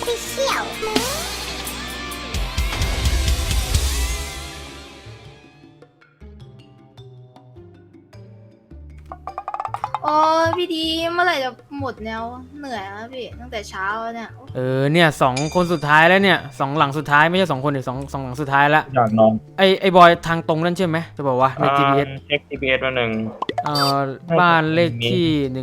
Official โอ้ยพี่ดีเมื่อไหร่จะหมดแล้วเหนื่อยแล้วพี่ตั้งแต่เช้าแล้วเนี่ยเนี่ย2 คนสุดท้ายแล้วเนี่ย2 หลังสุดท้ายไม่ใช่2 คนดิสองหลังสุดท้ายแล้วอยากนอนไอบอยทางตรงนั่นใช่ไหมจะบอกว่าใน GPS เช็ค GPS มาหนึ่งบ้านเลขที่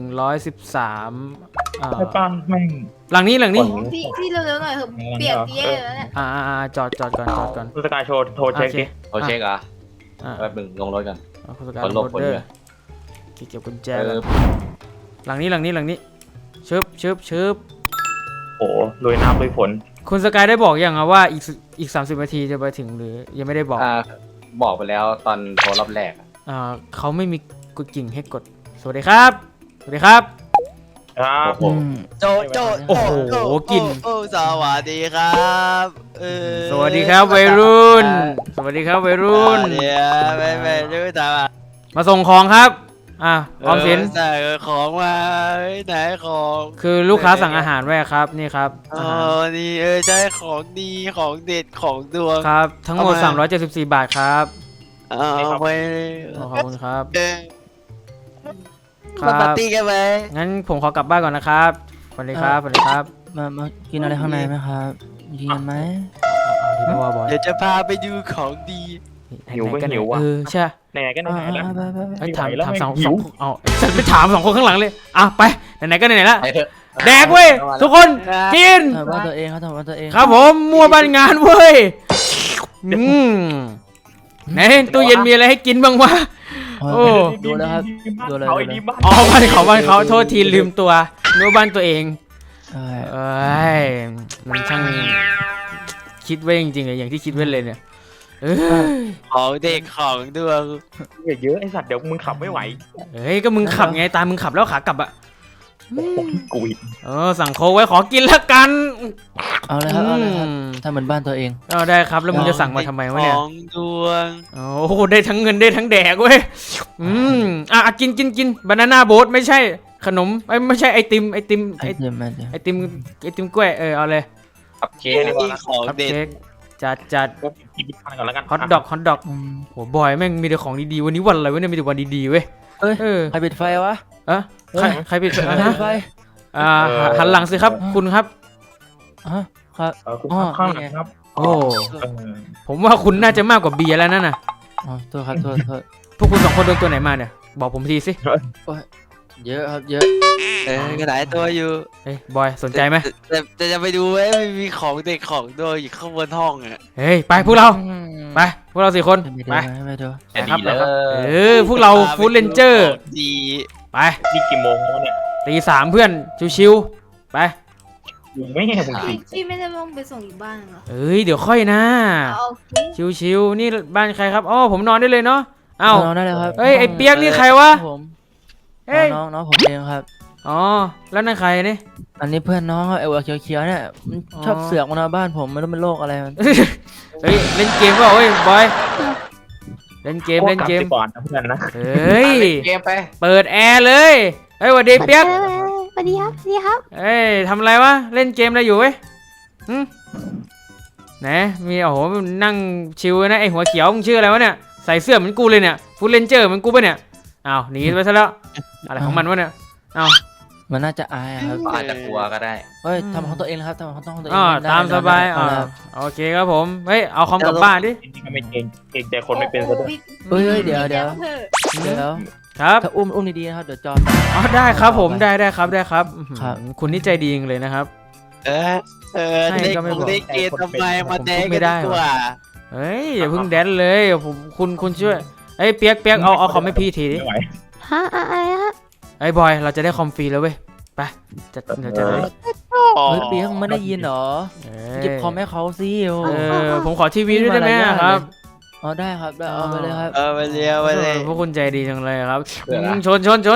113 ใช่ป้าแม่งหลังนี้พี่เร็วๆหน่อยเถอะเปียกเย่แล้วเนี่ยจอดก่อนคุณสกายโชว์โทรเช็คดิโทรเช็คอ่ะแป๊บนึงลงรถกันคุณสกายลงรถเด้อเก็บกุญแจหลังนี้ชึบโอ้ลุยน้ำลุยฝนคุณสกายได้บอกยังว่าอีก30 นาทีจะไปถึงหรือยังไม่ได้บอกบอกไปแล้วตอนโทรรอบแรกเขาไม่มีกดกิ่งให้กดสวัสดีครับครับโจโอ้โหกินสวัสดีครับสวัสดีครับวัยรุ่นสวัสดีครับวัยรุ่นไม่รู้แต่มาส่งของครับออมสินสั่งของมาไหนของคือลูกค้าสั่งอาหารไว้ครับนี่ครับนี่ใช่ของดีของเด็ดของดวงครับทั้งหมด374 บาทครับไปขอบคุณครับมาปาร์ตี้กันไหมงั้นผมขอกลับบ้านก่อนนะครับสวัสดีครับมากินอะไรข้างในไหมครับกินกันไหมเดี๋ยวจะพาไปดูของดีหิวก็หิวว่ะใช่ไหนๆก็ไหนๆแล้วถาม2 ฉันไปถาม2 คนข้างหลังเลยไปไหนๆก็ไหนๆแล้วแดกเว้ยทุกคนกินว่าตัวเองเขาทำว่าตัวเองครับผมมัวบ้านงานเว้ยไหนตู้เย็นมีอะไรให้กินบ้างวะโอ้ดูแล้วครับดูเลยบ้านเขาโทษทีลืมตัวนึกว่าบ้านตัวเองมันช่างคิดไว้จริงๆเลยอย่างที่คิดไว้เลยเนี่ยของเด็กของดวงเยอะไอสัตว์เดี๋ยวมึงขับไม่ไหวก็มึงขับไงตามมึงขับแล้วขากลับกุยสั่งโค้กไว้ขอกินแล้วกันเอาเลยครับถ้าเหมือนบ้านตัวเองได้ครับแล้วมึงจะสั่งมาทำไมวะเนี่ยของดวงโอ้โหได้ทั้งเงินได้ทั้งแดกเว้ยกินบานาน่าโบ๊ทไม่ใช่ขนมไม่ใช่ไอติมกล้วยเอาเลยคัพเค้กของเด็ดจัดฮอทดอกโหบอยแม่งมีแต่ของดีๆวันนี้วันอะไรวะเนี่ยมีแต่วันดีๆเว้ยใครปิดไฟวะใครปิดไฟหันหลังสิครับคุณครับคุณข้างหลังครับโอ้ผมว่าคุณน่าจะมากกว่าเบียร์แล้วนั่นน่ะโทษครับโทษพวกคุณ2 คนโดนตัวไหนมาเนี่ยบอกผมทีสิเยอะครับเยอะกระดาษตัวอยู่บอยสนใจไหมแต่จะไปดูไหมมีของเด็กของดวงอยู่ข้างบนห้องไปพวกเรา4 คนไปครับพวกเราฟู้ดเรนเจอร์ไปนี่กี่โมงแล้วเนี่ยตี 3เพื่อนชิวๆไปไม่ให้ผมสิพี่ไม่ได้ลงไปส่งอีกบ้านเหรอเดี๋ยวค่อยนะชิวๆนี่บ้านใครครับผมนอนได้เลยเนาะนอนได้เลยครับไอเปียกนี่ใครวะน้องผมเองครับแล้วนั่นใครนี่อันนี้เพื่อนน้องครับไอ้หัวเขียวๆเนี่ยมันชอบเสือกมาบ้านผมไม่รู้เป็นโรคอะไรมันเล่นเกมก็บอยเล่นเกมก่อนนะเพื่อนนะเกมไปเปิดแอร์เลยสวัสดีเปียกสวัสดีครับทำอะไรวะเล่นเกมอะไรอยู่เว้ยไหนมีนั่งชิวนะไอหัวเขียวมึงชื่ออะไรวะเนี่ยใส่เสื้อเหมือนกูเลยเนี่ยฟูลเรนเจอร์เหมือนกูป่ะเนี่ยหนีไปซะแล้วอะไรของมันวะเนี่ยมันน่าจะอายครับอาจจะกลัวก็ได้ทำของตัวเองนะครับทำของตัวเองตามสบายโอเคครับผมเอาคอมกลับบ้านดิไม่เก่งใจคนไม่เป็นซะด้วยเดี๋ยวครับถ้าอุ้มดีๆนะครับเดี๋ยวจอได้ครับผมได้ครับคุณนี่ใจดีจริงเลยนะครับให้ก็ไม่บอกได้เกณฑ์ทำไมมาแดงไม่ได้ว่ะอย่าเพิ่งแดนเลยคุณช่วยเปียกเอาคอมให้พี่ทีดิอะไรฮะบอยเราจะได้คอมฟรีแล้วเว้ยไปเดี๋ยวจะได้เปียกไม่ได้ยินหรอเก็บคอมให้เขาสิผมขอทีวีด้วยได้ไหมครับได้ครับเอาไปเลยครับไปเลยพวกคุณใจดีจังเลยครับชนชน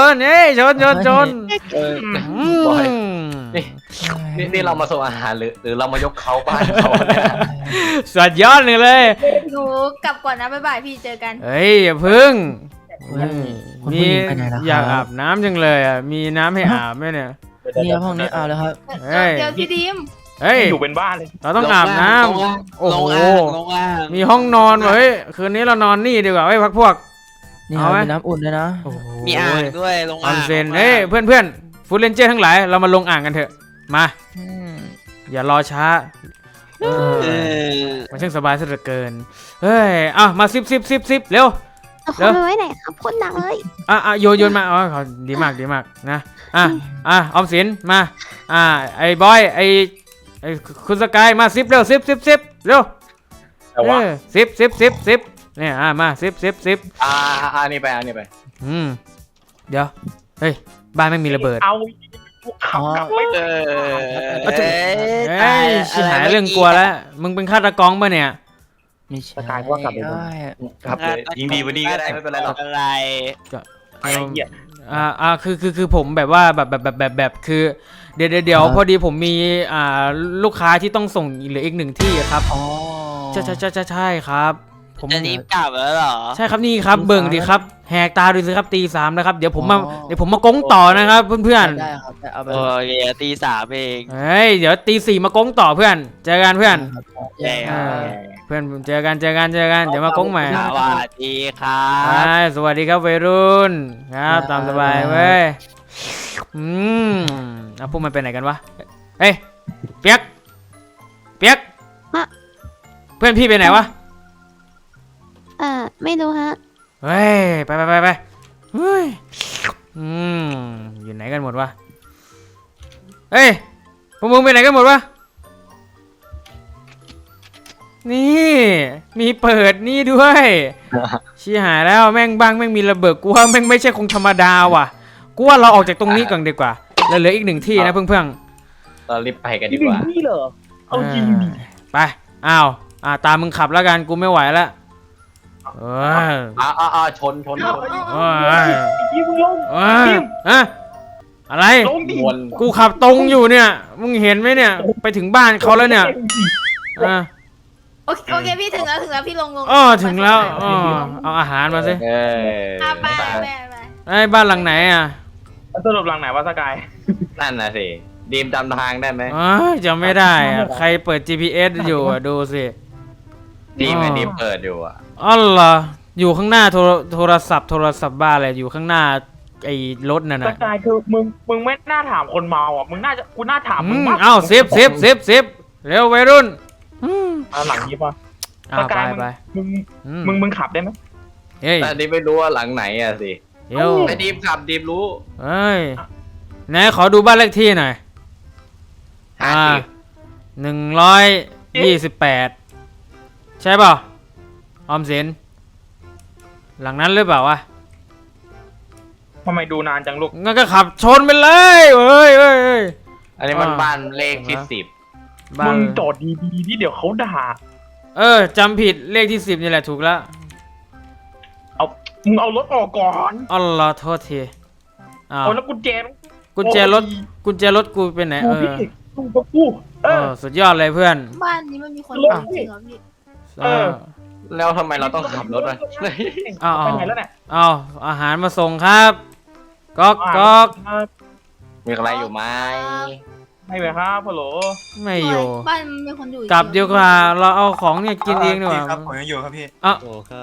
นี่เรามาส่งอาหารหรือเรามายกเขาบ้านเขาสุดยอดเลยหนูกลับก่อนนะบ๊ายบายพี่เจอกันอย่าพึ่งมีอยากอาบน้ำจังเลยมีน้ำให้อาบไหมเนี่ยนี่ห้องนี้เอาแล้วครับเดี๋ยวพี่ดิมเฮ้ยอยู่เป็นบ้านเลยเราต้องอาบน้ำโอ้ลโหงอ่างลงอ่างมีห้องนอนว่ะเฮ้ยคืนนี้เรานอนนี่ดีกว่าเฮ้ยพักพวกนี่เอาไหมมีน้ำอุ่นด้วยนะโอ้โหมีอ่างด้วยลงออ่าอนงเซนเฮ้ยเพื่อนฟูดเรนเจอร์ทั้งหลายเรามาลงอ่างกันเถอะมาอืมอย่ารอช้าเออมันช่างสบายซะเหลือเกินเฮ้ยมาซิบเร็วเอาแล้เขาวไปไว้ไหนครับคนหนักเลยโยนมาเขาดีมากนะออมสินมาไอ้บอยไอ้คุณสกายมาซิบเร็วซิบเร็วแต่ว่าซิบเนี่ยมาซิบนี่ไปอันนี้ไปเดี๋ยวเฮ้ยบ้านไม่มีระเบิดเอาขับกลับไม่เอได้อเฮ้ยชิบหายเรื่องกลัวแล้วมึงเป็นฆาตกรป่ะเนี่ยไม่ใช่สกายว่ากลับเลยเอ้ยขับเลยยิงดีวันนี้ก็ได้ไม่เป็นไรหรอกอะไรไอ้เหี้ยคือผมแบบว่าแบบคือเดี๋ยวพอดีผมมีลูกค้าที่ต้องส่งเหลืออีกหนึ่งที่ครับอ๋อใช่ครับผมจะรีบกลับแล้วเหรอใช่ครับนี่ครับเบิ่งดิครับแหกตาดูสิครับตี 3นะครับเดี๋ยวผมมากงต่อนะครับเพื่อนได้ครับได้เอาไปโอเคตี 3เองๆเฮ้ยเดี๋ยวตี 4มากงต่อเพื่อนเจอกันเพื่อนเย้เพื่อนเจอกันเดี๋ยวมากงใหม่สวัสดีครับสวัสดีครับวัยรุ่นครับตามสบายเว้ยพวกมันไปไหนกันวะเฮ้ยเปียกเพื่อนพี่ไปไหนวะไม่รู้ฮะเฮ้ยไปเฮ้ยอยู่ไหนกันหมดวะเฮ้ยพวกมึงไปไหนกันหมดวะนี่มีเปิดนี่ด้วย ชี้หายแล้วแม่งมีระเบิดกูว่าแม่งไม่ใช่คงธรรมดาว่ะกูว่าเราออกจากตรงนี้ก่อนดีกว่าแล้วเหลืออีกหนึ่งที่นะเพื่อนเรารีบไปกันดีกว่านี่เหรอเอาจริงดิไปตามมึงขับแล้วกันกูไม่ไหวแล้วชนยิ้มลงอะไรลงดิกูขับตรงอยู่เนี่ยมึงเห็นไหมเนี่ยไปถึงบ้านเขาแล้วเนี่ยโอเคพี่ถึงแล้วพี่ลงถึงแล้วเอาอาหารมาสิไปไอ้บ้านหลังไหนอ่ะสรุปหลังไหนวะสกายนั่นน่ะสิดีมจำทางได้ไหมจำไม่ได้อ่ะใครเปิด GPS อยู่อ่ะดูสิดีมเปิดอยู่อ่ะอ๋อเหรออยู่ข้างหน้าโทรศัพท์บ้านอะไรอยู่ข้างหน้าไอ้รถนั่นสน่ะกายคือมึงไม่น่าถามคนเมาอ่ะกูน่าถามมึงมากเซฟเร็ววัยรุ่นหลังนี้ป่ะไปมึงขับได้ไหมเฮ้ยแต่นี่ไม่รู้ว่าหลังไหนอะสิเดี๋ยวไอ้ดีมขับดีมรู้เฮ้ยไหนขอดูบ้านเลขที่หน่อย128ใช่เปล่าออมสินหลังนั้นหรือเปล่าวะทำไมดูนานจังลูกงั้นก็ขับชนไปเลยเฮ้ยอันนี้มันบ้านเลขที่บ้ามึนงจอดดีๆที่เดี๋ยวเขาด่าจำผิดเลขที่10นี่แหละถูกแล้วมึงเอารถออกก่อนอ๋อเหรอโทษทีอ้าวเอาแล้วกุญแจกุญแจรถกูเป็นไหนพี่กูสุดยอดเลยเพื่อนบ้านนี้มันมีคนอยู่จริงเหรอพี่ 10 แล้วทำไมเราต้องขับรถอะไปไหนแล้วเนี่ยเอาอาหารมาส่งครับก๊อกมีอะไรอยู่ไหมไม่ไหมครับฮัลโหลไม่อยู่บ้านมีคนอยู่กลับดีกว่าเราเอาของเนี่ยกินเองดีกว่าครับผมยังอยู่ครับพี่โอ้ครับ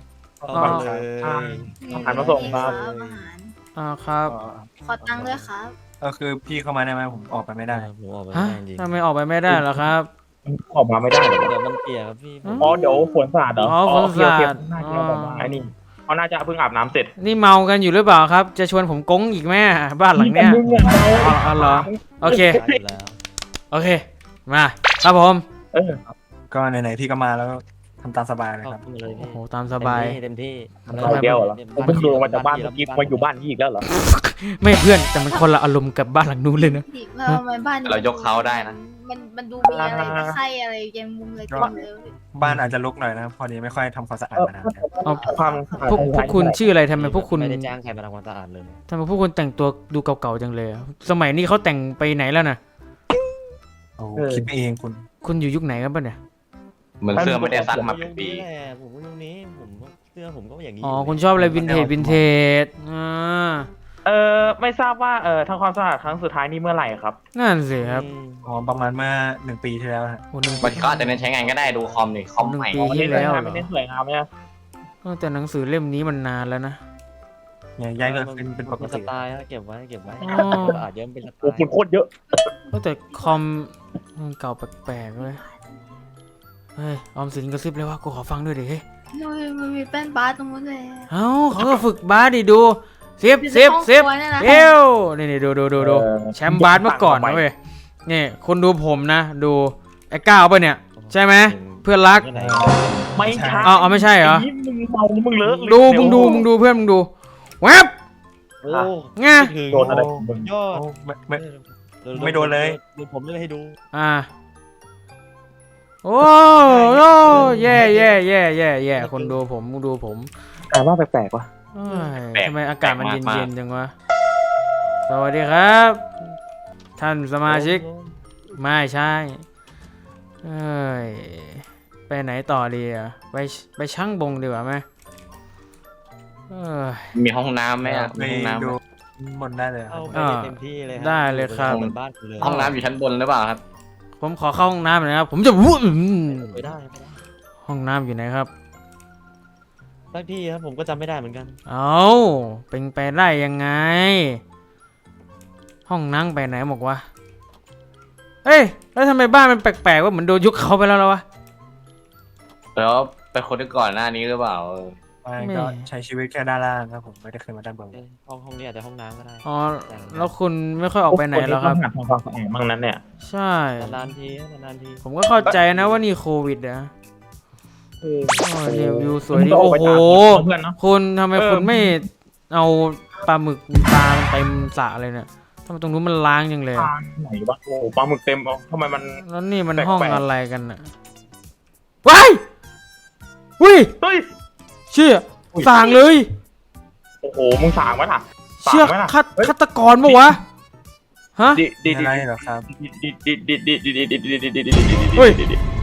อาหารมาส่งครับครับขอตังค์ด้วยครับก็คือพี่เข้ามาได้ไหมผมออกไปไม่ได้ผมออกไปฮะไม่ได้จริงทำไมออกไปไม่ได้เหรอครับออกมาไม่ได้เหรอเดี๋ยวมันเปียกครับพี่อ๋อเดี๋ยวฝนสาดเหรอฝนสาดน่าจะแบบว่าไอ้นี่เขาน่าจะเพิ่งอาบน้ำเสร็จนี่เมากันอยู่หรือเปล่าครับ จะชวนผมกงอีกแม่บ้านหลังเนี้ยอ๋อเหรอโอเคอยู่แล้วโอเคมาครับผมก็ไหนๆพี่ก็มาแล้วทำตามสบายเลยขคอรับบ คุณเลยพี่โอ้โหตามสบายเต็มที่เดียวเหรอผมเพิ่งลงมาจากบ้านเมื่อกี้มาอยู่บ้านนี้อีกแล้วเหรอไม่เพื่อนแต่มันคนละอารมณ์กับบ้านหลังนู้นเลยนะเราทำไมบ้านเรายกเขาได้นะมันดูมีอะไรตะไคร่อะไรแยงมุมอะไรเต็มเลยบ้านอาจจะรกหน่อยนะครับพอดีไม่ค่อยทำความสะอาดมานานครับเอาความพวกคุณชื่ออะไรทำไมพวกคุณไม่ได้จ้างใครมาทำความสะอาดเลยทำไมพวกคุณแต่งตัวดูเก่าๆจังเลยอะสมัยนี้เขาแต่งไปไหนแล้วนะโอ้คิดไปเองคุณคุณอยู่ยุคไหนกันปะเนี่ยเหมือนเสื้อไม่ได้ซักมาเป็นปีผมก็ยุคนี้ผมเสื้อผมก็อย่างนี้อ๋อคุณชอบอะไรวินเทจไม่ทราบว่าทางความสะอาดครั้งสุดท้ายนี่เมื่อไหร่ครับนั่นสิครับอ๋อประมาณเมื่อ1 ปีที่แล้วฮะโอ้หนึ่งมันก็อาจจะเน้นใช้งานก็ได้ดูคอมนี่คอมใหม่ปีที่แล้วเหรอไม่ได้สวยงามเนี่ยแต่หนังสือเล่มนี้มันนานแล้วนะเนี่ยย้ายก็เป็นปกเป็นสติไตล์ฮะเก็บไว้อ๋ออาจจะเป็นสไตโอ้ล์คุณโคตรเยอะแต่คอมมันเก่าแปลกๆเลยเฮ้ยออมสินกระซิบเลยว่ากูขอฟังด้วยดิเฮ้ยมันมีแป้นบาสตรงนู้นเลยเอ้าเขาก็ฝึกบาสดิดูเซฟอยู่ในห้องครัวเนี่ยนะเอวนี่ดูแชมป์บาสเมื่อก่อนนะเว้ยนี่คุณดูผมนะ ดูไอ้ก้าวป่ะเนี่ย ใช่ไหมเพื่อนรักที่ไหนไม่ใช่เอาไม่ใช่เหรอไนี่มึงเมามึงเลอะดูมึงดูเพื่อนมึงดูแวบโอ้ไงถึงโดนอะไรของมึงยอดโอ้ไม่โดนเลยดูผมเล่นให้ดูโอ้แย่คนดูผมมึงดูผมแต่ว่าแปลกๆว่ะเอ้ยทำไมอากาศมันเย็นๆจังวะสวัสดีครับ ท่านสมาชิกไม่ใช่เอ้ยไปไหนต่อดีอ่ะไปช่างบงดีกว่าไหมเอ้ยมีห้องน้ำไหมอ่ะไปมีห้องน้ำไหมดูบนได้เลยคเอารับไปเต็มที่เลยได้เลยครับเหมือนบ้านกูเลยห้องน้ำอยู่ชั้นบนหรือเปล่าครับผมขอเข้าห้องน้ำหน่อยนะครับผมจะวู้ไปได้ห้องน้ำอยู่ไหนครับบางที่ครับผมก็จำไม่ได้เหมือนกันเอาเป็นไปได้ยังไง ห้องนั่งไปไหนบอกว่าเอ้ยแล้วทำไมบ้านมันแปลกๆว่าเหมือนโดนยุคเขาไปแล้ววะแล้วไปคนที่ก่อนหน้านี้หรือเปล่าไม่ก็ใช้ชีวิตแค่ด้านล่างครับผมไม่ได้เคยมาด้านบนห้องนี้อาจจะห้องน้ำก็ได้อ๋อแล้วคุณไม่ค่อยออกไปไหนแล้วครับนทำความสะอาดบ้างนั้นเนี่ยใช่นานๆทีนานๆทีผมก็เข้าใจนะว่านี่โควิดนะโอ้ยเนี่ยวิวสวยดีมึงก็โอ้กไปโหตามเพื่อนเนาะคุณทำไมเออคุณไม่เอาปลาหมึกปลามันเต็มสระเลยเนี่ยทำไมตรงนู้นมันล้างจังเลยปลาไหนวะโอ้ปลาหมึกเต็มเอาทำไมมันแล้วนี่มันแปลกๆห้องอะไรกันน่ะว้ายอุ้ยเฮ้ยเชี่ยอุ้ยสั่งเลยโอ้โหมึงสางไว้ล่ะเชี่ยสางไว้ล่ะฆาตกรปะวะฮะดิดิมีดิอะไรเหรอครับเฮ้ย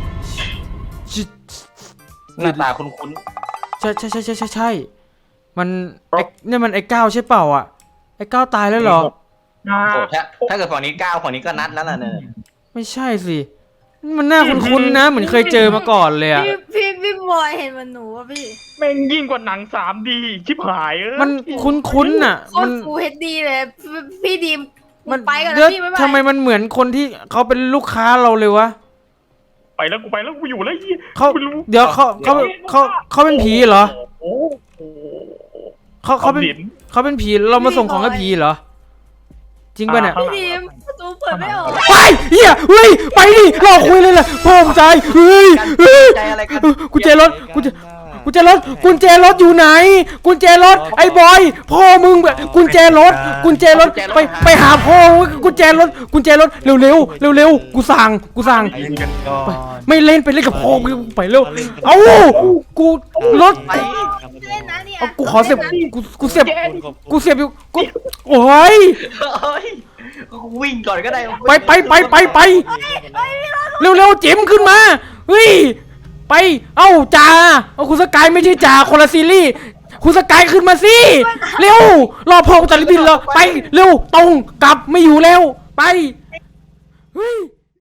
หน้าตาคุ้นใช่มันเนี่ยมันไอ้ก้าวใช่เปล่าอ่ะไอ้ก้าวตายแล้วเหรอๆโอ้ถ้าเกิดฝั่งนี้ก้าวฝั่งนี้ก็นัดแล้วล่ะเนี่ยไม่ใช่สิมันน่าคุ้นๆนะเหมือนเคยเจอมาก่อนเลยอ่ะพี่บอยเห็นมันหนูป่ะพี่แม่งยิ่งกว่าหนัง 3D ชิบหายเอ้ยมันคุ้นๆน่ะโคมัตนรฟูเฮดดีเลยพี่ดีมมันไปก่อนเดี๋ยวนะพี่บ๊ายบายทำไมมันเหมือนคนที่เขาเป็นลูกค้าเราเลยวะไปแล้วกูอยู่แล้วยี่เขาไม่รู้เดี๋ยวเขาเป็นผีเหรอโอ้โหเขาเป็นผีเรามาส่งของให้ผีเหรอจริงป่ะเนี่ยข้างพี่หลังดีมประตูเปิดไม่ออกไปเฮียเฮ้ยไปดิรอคุยเลยแหละพ่อผมใจเฮ้ยใจอะไรกันกุญแจรถกุญแจรถอยู่ไหนกุญแจรถไอ้บอยพ่อมึงกุญแจรถไปหาพ่อกุญแจรถเร็วกูสั่งเล่นกันก่อนไม่เล่นไปเล่นกับพ่อมึงไปเร็วเอ้ากูรถเล่นนะเนี่ยเอากูขอเสียบกูเสียบอยู่กูโอ้ยเฮ้ยวิ่งก่อนก็ได้ไปเร็วจิ๋มขึ้นมาเฮ้ยไปเอ้าจ่าเอาคุณสกายไม่ใช่จ่าคนละซีรีส์คุณสกายขึ้นมาสิเร็วรอพ่อกูตัดริบบิ้นแล้วไปเร็วตรงกลับไม่อยู่แล้วไปเฮ้ย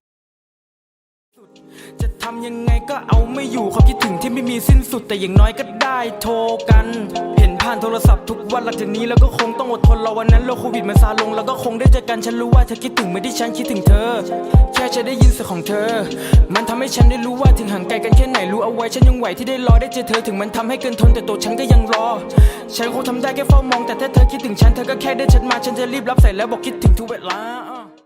จะทำยังไงก็เอาไม่อยู่ความคิดถึงที่ไม่มีสิ้นสุดแต่อย่างน้อยก็ได้โทรกันเห็นผ่านโทรศัพท์ทุกวันหลังจากนี้แล้วก็คงต้องอดทนรอวันนั้นโรคโควิดมันซาลงแล้วก็คงได้เจอกันฉันรู้ว่าเธอคิดถึงเหมือนที่ฉันคิดถึงเธอแค่จะได้ยินเสียงของเธอมันทำให้ฉันได้รู้ว่าถึงห่างไกลกันแค่ไหนรู้เอาไว้ฉันยังไหวที่ได้รอได้เจอเธอถึงมันทำให้เกินทนแต่ตัวฉันก็ยังรอฉันคงทำได้แค่เฝ้ามองแต่ถ้าเธอคิดถึงฉันเธอก็แค่เดินฉันมาฉันจะรีบรับสายแล้วบอกคิดถึงทุกเวลา